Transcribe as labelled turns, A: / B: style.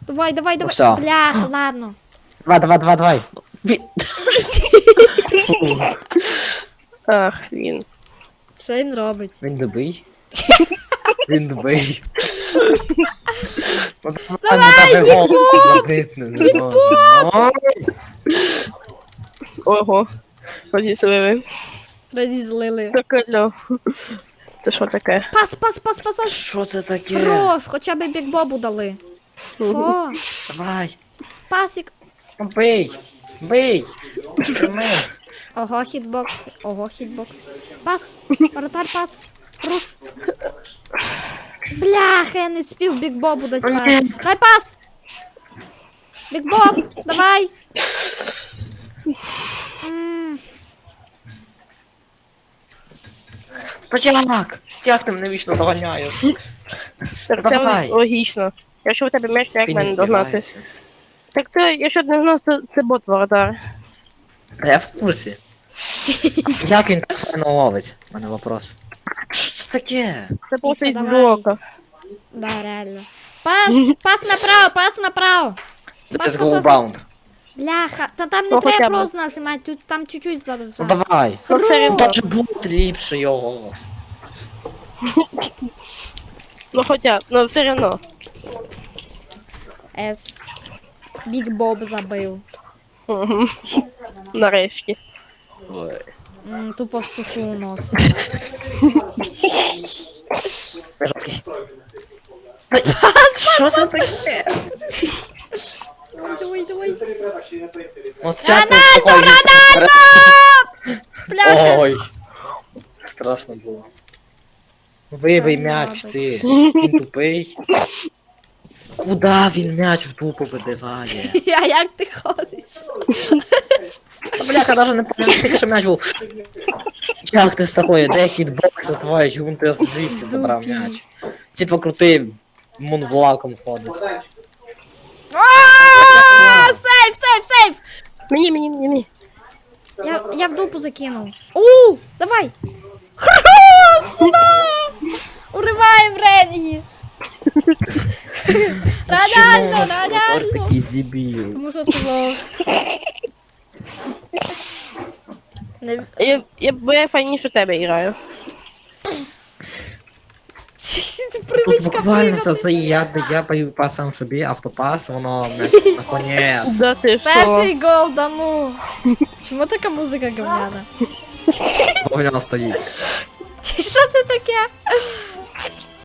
A: Давай, давай, давай.
B: всё.
A: Бляха, ладно.
B: Давай.
C: Ах, він.
A: Що він робить?
B: Він добий. Він добий.
A: Давай,
C: Ого. Розіслили.
A: Розізлили.
C: Прикольно. Це що таке?
A: Пас.
B: Що це таке?
A: Хорош, хоча б бікбобу дали. Що?
B: Давай.
A: Пасік.
B: Бий. Прими.
A: Ого, хітбокс. Пас. Воротар, пас. Руш. Бляха, я не спів бікбобу дати пас. Дай пас. Бікбоб, давай.
B: Як ти мене вічно доганяєш?
C: Так це
B: Давай.
C: логічно. Якщо у тебе м'яч, то як
B: Ти
C: мене
B: не
C: догнати?
B: здіваєшся.
C: Так це, якщо ти не знав, то це бот воротар.
B: Та я в курсі. Як він так не ловить? У мене вопрос. Що це таке?
C: Це просто із
A: давай.
C: блока.
A: Да, реально. Пас направо.
B: Це
A: Пас,
B: без
A: пас, пас.
B: голбаунд.
A: Бляха, та там не
C: Ну, хоча
A: треба
C: б.
A: просто нажимати, тут там чуть-чуть зараз.
B: Ну давай.
C: Ну все рівно.
B: Та ж бут ліпше його.
C: Ну хоча, ну все одно.
A: С. Біг Боб забив.
C: Мгм. Нарешті.
B: Ой.
A: Тупо в суху носить.
B: Жорсткий. Що це таке?
A: Давай.
B: От часто такое
A: Бляха.
B: Ой. Страшно було. Вибий м'яч ти. Він тупий. Куда він м'яч в тупо вибиває?
A: А як ти ходиш?
B: Та, бляха, даже не пам'ятаю, тільки що м'яч був. Як ти з такої, де хітбокс твоє, чому ти звідси забрав м'яч? Типа крутий мунвлаком ходить.
A: Сейв!
C: Мені.
A: Я в дупу закинув. Давай! Сюда! Уриваємо Ренгі! Рональдо!
B: Такий дебіл.
A: Тому що ти лох.
C: Бо я файніше тебе граю.
A: Це
B: Тут
A: привичка
B: буквально це
A: пригати.
B: я бою пасам собі, автопас, воно наконець.
C: Да ти що?
A: Перший гол, да ну. Чому така музика говняна?
B: Воно стоїть.
A: Що це таке?